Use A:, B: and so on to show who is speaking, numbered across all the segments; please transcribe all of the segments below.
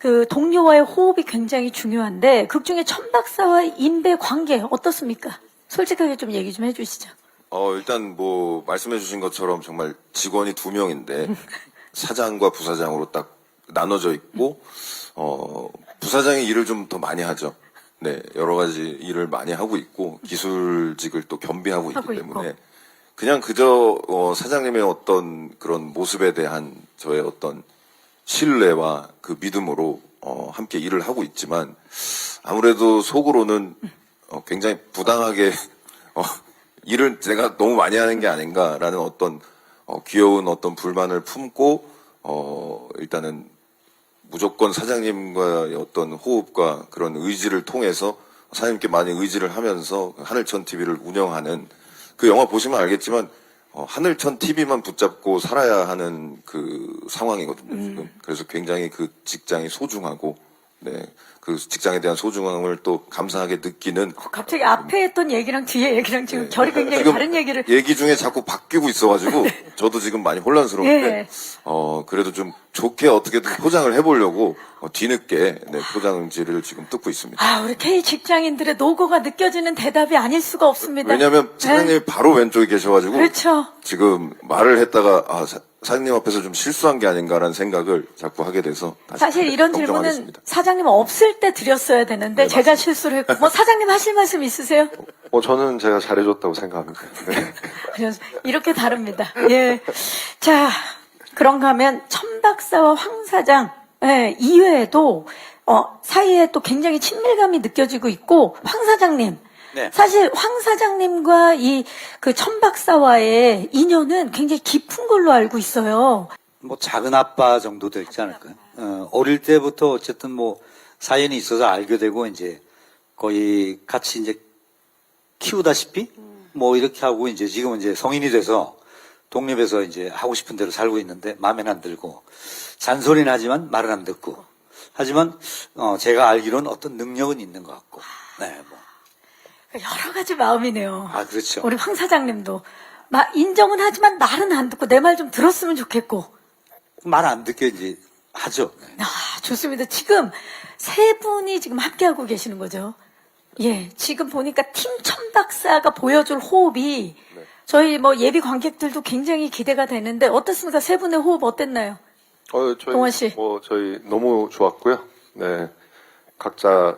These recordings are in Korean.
A: 그 동료와의 호흡이 굉장히 중요한데 극 중에 천박사와 인배 관계 어떻습니까? 솔직하게 좀 얘기 좀 해주시죠.
B: 일단 뭐 말씀해 주신 것처럼 정말 직원이 2명인데 사장과 부사장으로 딱 나눠져 있고 부사장이 일을 좀 더 많이 하죠. 네, 여러 가지 일을 많이 하고 있고 기술직을 또 겸비하고 있기 때문에 그냥 그저 사장님의 어떤 그런 모습에 대한 저의 어떤 신뢰와 그 믿음으로 함께 일을 하고 있지만 아무래도 속으로는 굉장히 부당하게 일을 제가 너무 많이 하는 게 아닌가라는 어떤 귀여운 어떤 불만을 품고 일단은 무조건 사장님과의 어떤 호흡과 그런 의지를 통해서 사장님께 많이 의지를 하면서 하늘천 TV를 운영하는 그 영화 보시면 알겠지만 하늘천 TV만 붙잡고 살아야 하는 그 상황이거든요, 지금. 그래서 굉장히 그 직장이 소중하고, 네, 그 직장에 대한 소중함을 또 감사하게 느끼는.
A: 갑자기 앞에 했던 얘기랑 뒤에 얘기랑 지금 결이 굉장히
B: 지금
A: 다른 얘기를.
B: 얘기 중에 자꾸 바뀌고 있어가지고, 저도 지금 많이 혼란스러운데, 그래도 좀 좋게 어떻게든 포장을 해보려고, 뒤늦게, 네, 포장지를 지금 뜯고 있습니다.
A: 아, 우리 K 직장인들의 노고가 느껴지는 대답이 아닐 수가 없습니다.
B: 왜냐면 사장님이 바로 왼쪽에 계셔가지고,
A: 그렇죠.
B: 지금 말을 했다가, 사장님 앞에서 좀 실수한 게 아닌가라는 생각을 자꾸 하게 돼서 다시
A: 사실 이런 질문은
B: 경청하겠습니다.
A: 사장님 없을 때 드렸어야 되는데 제가 실수를 했고 뭐 사장님 하실 말씀 있으세요?
C: 저는 제가 잘해줬다고 생각합니다. 네.
A: 그래서 이렇게 다릅니다. 예. 자, 그런가 하면 천박사와 황 사장 이외에도 사이에 또 굉장히 친밀감이 느껴지고 있고 황 사장님
D: 네.
A: 사실 황 사장님과 이 그 천박사와의 인연은 굉장히 깊은 걸로 알고 있어요.
D: 뭐 작은 아빠 정도 되지 않을까요? 어릴 때부터 어쨌든 뭐 사연이 있어서 알게 되고 이제 거의 같이 이제 키우다시피 뭐 이렇게 하고 이제 지금은 이제 성인이 돼서 독립해서 이제 하고 싶은 대로 살고 있는데 마음에는 안 들고 잔소리는 하지만 말은 안 듣고 하지만 제가 알기로는 어떤 능력은 있는 것 같고 네 뭐.
A: 여러 가지 마음이네요.
D: 아 그렇죠.
A: 우리 황 사장님도 인정은 하지만 말은 안 듣고 내 말 좀 들었으면 좋겠고.
D: 말 안 듣게 이제 하죠. 네.
A: 좋습니다. 지금 세 분이 지금 함께하고 계시는 거죠. 예, 지금 보니까 팀 천박사가 보여줄 호흡이 저희 뭐 예비 관객들도 굉장히 기대가 되는데 어떻습니까? 세 분의 호흡 어땠나요? 동원 씨.
C: 저희 너무 좋았고요. 네, 각자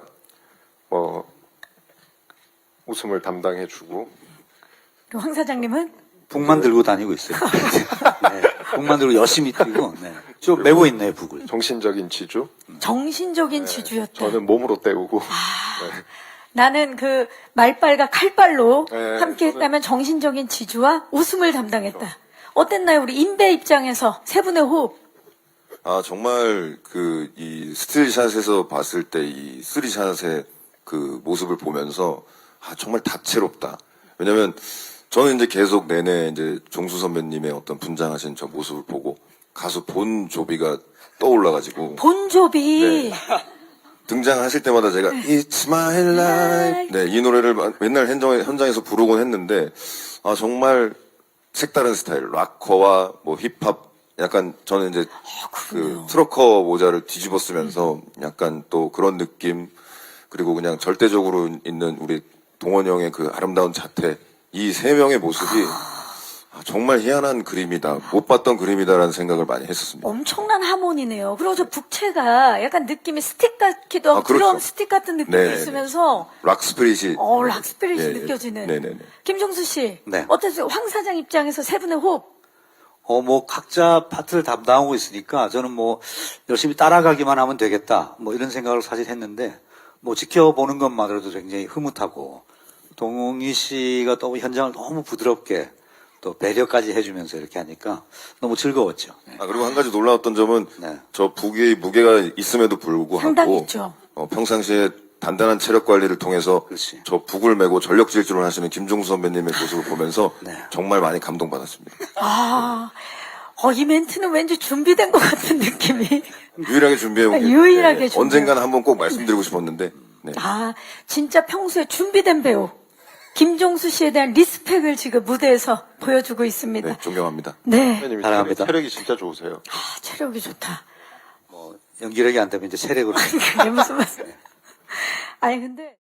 C: 웃음을 담당해주고.
A: 그리고 황 사장님은?
D: 북만 들고 다니고 있어요. 네, 북만 들고 열심히 뛰고 네. 좀 메고 있네요 북을.
C: 정신적인 지주.
A: 정신적인 지주였다.
C: 저는 몸으로 때우고. 네.
A: 나는 그 말발과 칼발로
C: 네,
A: 함께했다면 정신적인 지주와 웃음을 담당했다. 어땠나요? 우리 인배 입장에서 세 분의 호흡.
B: 정말 이 스틸샷에서 봤을 때 이 쓰리샷의 그 모습을 보면서 정말 다채롭다. 왜냐면 저는 이제 계속 내내 이제 종수 선배님의 어떤 분장하신 저 모습을 보고 가수 본조비가 떠올라가지고
A: 본조비.
B: 네. 등장하실 때마다 제가 It's my life 네, 이 노래를 맨날 현장에서 부르곤 했는데 정말 색다른 스타일 락커와 뭐 힙합 약간 저는 이제 그 트로커 모자를 뒤집어 쓰면서 약간 또 그런 느낌 그리고 그냥 절대적으로 있는 우리 동원 형의 그 아름다운 자태 이 세 명의 모습이 정말 희한한 그림이다 못 봤던 그림이다라는 생각을 많이 했었습니다.
A: 엄청난 하모니네요. 그리고 저 북체가 약간 느낌이 스틱 같기도 하고
B: 그렇죠.
A: 드럼 스틱 같은 느낌이
B: 네네네.
A: 있으면서
B: 락 스피릿이
A: 락 스피릿이
B: 예,
A: 느껴지는.
B: 네네네.
A: 김종수 씨,
D: 네.
A: 어땠어요? 황 사장 입장에서 세 분의 호흡.
D: 뭐 각자 파트를 담당하고 있으니까 저는 뭐 열심히 따라가기만 하면 되겠다 뭐 이런 생각을 사실 했는데 뭐 지켜보는 것만으로도 굉장히 흐뭇하고 동희 씨가 또 현장을 너무 부드럽게 또 배려까지 해주면서 이렇게 하니까 너무 즐거웠죠. 네.
B: 그리고 한 가지 놀라웠던 점은
D: 네.
B: 저 북의 무게가 있음에도 불구하고
A: 상당히 있죠.
B: 평상시에 단단한 체력 관리를 통해서
D: 그렇지.
B: 저 북을 메고 전력 질주를 하시는 김종수 선배님의 모습을 보면서
D: 네.
B: 정말 많이 감동받았습니다.
A: 이 멘트는 왠지 준비된 것 같은 느낌이.
B: 유일하게 준비해온 게
A: 유일하게 준비해온.
B: 언젠가는 한번 꼭 말씀드리고 싶었는데 네.
A: 진짜 평소에 준비된 배우. 김종수 씨에 대한 리스펙을 지금 무대에서 보여주고 있습니다.
B: 네, 존경합니다.
A: 네.
C: 선배님이
D: 사랑합니다.
C: 체력이 진짜 좋으세요.
A: 체력이 좋다.
D: 연기력이 안 되면 이제 세력으로.
A: 그게 무슨 말씀? 아니 근데.